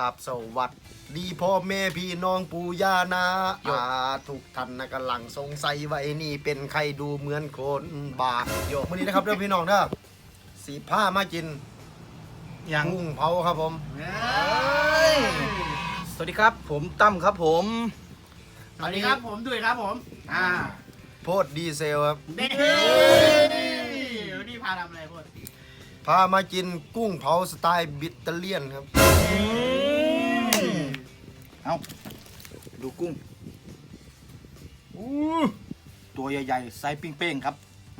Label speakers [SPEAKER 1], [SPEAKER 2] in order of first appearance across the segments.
[SPEAKER 1] บสวัสดีพ่อแม่พี่น้องปู่ย่านาอาทุกท่านนะกำลังสงสัยว่าไอ้นี่เป็นใครดูเหมือนคนบาโยกวันนี้นะครับเรื่องพี่น้องเด้อสีผ้ามากินกุ้งเผาครับผม
[SPEAKER 2] สวัสดีครับผมตั้มครับผม
[SPEAKER 3] สวัสดีครับผมดุยครับผม
[SPEAKER 1] โพดดีเซลครับ
[SPEAKER 3] วันนี้พาทำอะไรโพด
[SPEAKER 1] พามากินกุ้งเผาสไตล์บิตเตเลียนครับ
[SPEAKER 2] เอาดูกุ้งตัวใหญ่ๆไซส์เป้งๆครับ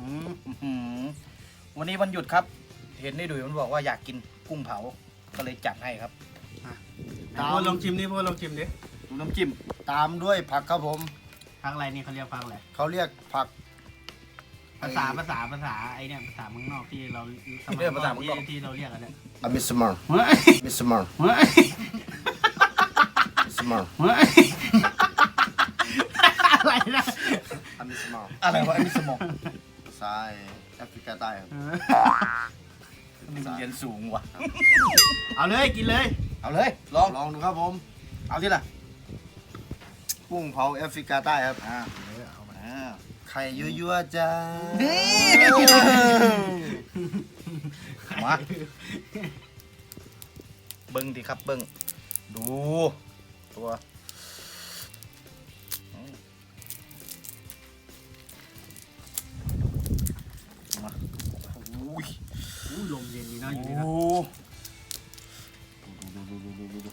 [SPEAKER 2] วันนี้วันหยุดครับเห็นได้ดุยมันบอกว่าอยากกินกุ้งเผาก็เลยจัดให้ครับ
[SPEAKER 3] โพดลองชิมดิโพดลองชิมดิ
[SPEAKER 2] ดูน้ำจิ้ม
[SPEAKER 1] ตามด้วยผักครับผม
[SPEAKER 3] ผักอะไรนี่เขาเรียกผักอะไร
[SPEAKER 1] เขาเรียกผัก
[SPEAKER 3] ภาษาไอเนี่ยภาษาเมืองนอกที่เราสมัยก่อนที่เราเรียกกันเนี่ย
[SPEAKER 1] มิสมอร์มิสมอร์มิสมอร์
[SPEAKER 3] อะไรนะ
[SPEAKER 1] มิสมอร์
[SPEAKER 2] อะไรวะมิสมอร์
[SPEAKER 1] สายแอฟริกาใต้ครับ
[SPEAKER 2] นี่มันเรียนสูงว่ะ
[SPEAKER 3] เอาเลยกินเลย
[SPEAKER 2] เอาเลยล
[SPEAKER 1] องดูครับผม
[SPEAKER 2] เอาที่ละ
[SPEAKER 1] กุ้งเผาแอฟริกาใต้ครับ
[SPEAKER 2] เอามา
[SPEAKER 1] ไข่ยั่วๆจ้า
[SPEAKER 2] มาเบิ้งดิครับเบิ้งดูตัวมา
[SPEAKER 3] ลมเย็นดีนะอยู่นี่นะ
[SPEAKER 2] ดู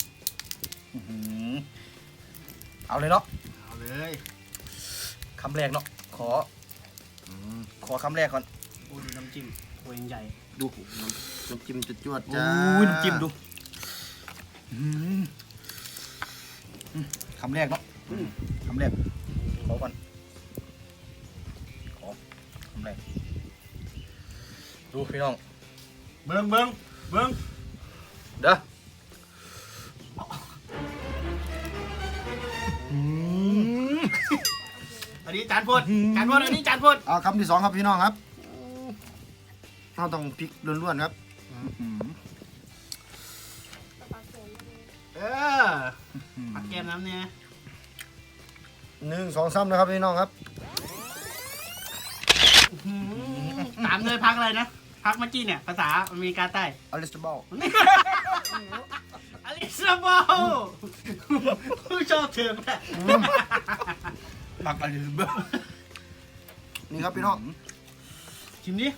[SPEAKER 2] เอาเลยเนาะ
[SPEAKER 3] เอาเลย
[SPEAKER 2] คำแรกเนาะขอคำแรกก่อน
[SPEAKER 3] โอ้ดูน้ำจิ้มตัวใหญ่
[SPEAKER 1] ดูน้ำจิ้มจวดๆจ้า
[SPEAKER 2] น้ำจิ้มดูคำแรกเนาะคำแรกขอก่อนขอคำแรกดูพี่น้อง
[SPEAKER 3] เบิ้ง
[SPEAKER 2] เด้อ
[SPEAKER 3] อันนี้จานพดอันนี้จานพด
[SPEAKER 1] เอาคำที่สองครับพี่น้องครับเราต้องพริกล้วนๆครับ
[SPEAKER 3] ผักแกมน้ำเนี่ย
[SPEAKER 1] 1 2 3นะครับพี่น้องครับ
[SPEAKER 3] ตามเลยพักอะไรนะพักเมื่อกี้เนี่ยภาษาอเมริกาใต้
[SPEAKER 1] อลิสบอล
[SPEAKER 3] ผู้ชอบเถื่อนแหละ
[SPEAKER 2] ผักอลิสบอล
[SPEAKER 1] นี่ครับพี่น้อง
[SPEAKER 3] ชิมดิ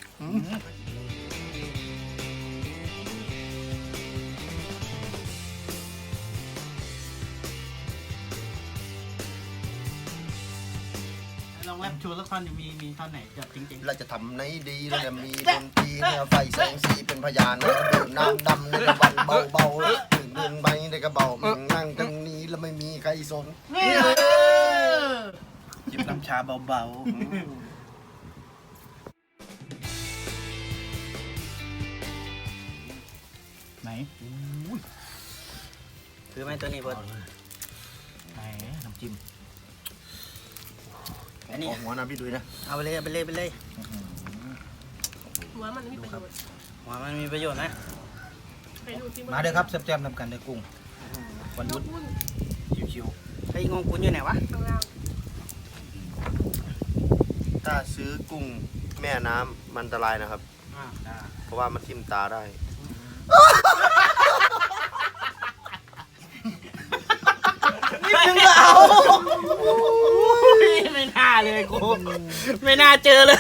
[SPEAKER 3] ลองแรปโชว์สักท่อนมีท่อนไหนแบบจริงๆ
[SPEAKER 1] เราจะทำในดีเราจะมีดนตรีไฟแสงสีเป็นพยานดื่มน้ำดำในกระวันเบาๆดื่มเดินไปในกระเบานั่งตรงนี้แล้วไม่มีใครสน
[SPEAKER 2] จิบน้ำชาเบาๆไหน
[SPEAKER 3] คือไหมตัวนี้เพิ่น
[SPEAKER 2] ไหนน้ำจิ้ม
[SPEAKER 1] อันนี้หัวน้ำพี่ดุยนะ
[SPEAKER 3] เอาไปเลย
[SPEAKER 4] หัวมันมีประโยชน์
[SPEAKER 3] นะ
[SPEAKER 2] มาเด้อครับแซ่บๆนำกันในกุ้งวันหยุดชิว
[SPEAKER 3] ๆไอ้งงกุนอยู่ไหนวะ
[SPEAKER 1] ถ้าซื้อกุ้งแม่น้ำมันอันตรายนะครับเพราะว่ามันทิ่มตาได้
[SPEAKER 3] นี่นึงก็เอาไม่น่าเลยกูไม่น่าเจอเลย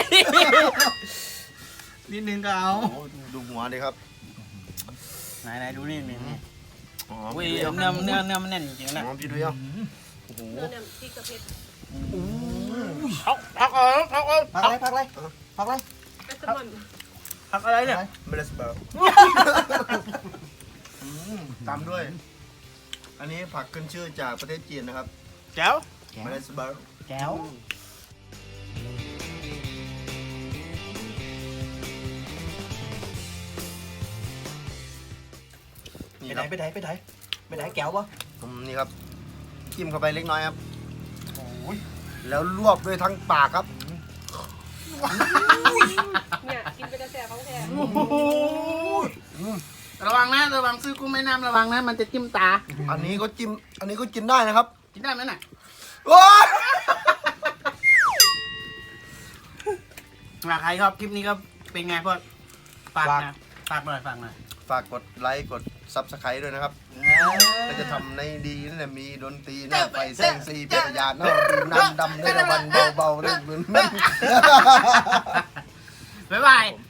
[SPEAKER 3] นิดนึงก็เอา
[SPEAKER 1] ดูหัวดิครับ
[SPEAKER 3] ไหนดูนี่อุ้ยเนื้อมันแน่นจริงๆนะ
[SPEAKER 1] พี่ดูยัง
[SPEAKER 4] โอ้โหเนื้อพริกกระเพชร
[SPEAKER 3] พักอะไรเนี่ย
[SPEAKER 1] เมลสเบอร์ตามด้วยอันนี้ผักขึ้นชื่อจากประเทศจีนนะครับ
[SPEAKER 3] แก้ว
[SPEAKER 1] เมลสเบอร์
[SPEAKER 3] แก้ว
[SPEAKER 2] ไปไหนแก้วปะ
[SPEAKER 1] นี่ครับจิ้มเข้าไปเล็กน้อยครับแล้วลวกด้วยทั้งปากครับ
[SPEAKER 4] เนี่ยกินเป็นกระแสของแท้
[SPEAKER 3] ระวังนะระวังซื้อกุ้งแม่น้ำระวังนะมันจะจิ้มตา
[SPEAKER 1] อันนี้ก็จิ้มอันนี้ก็กินได้นะครับ
[SPEAKER 3] กินได้ไหมน่ะ
[SPEAKER 1] โอ้ย
[SPEAKER 3] ใครชอบคลิปนี้ก็เป็นไงพ่อฝากนะฝากหน่อย
[SPEAKER 1] ฝากกดไลค์กดซับสไครต์ด้วยนะครับก็จะทำในดีนั่นแหละมีดนตรีหน้าไฟแสงสีเป็นยานเนาะดื่มน้ำดำในตะวันเบาๆเรื่องเหมือน
[SPEAKER 3] บ๊ายบาย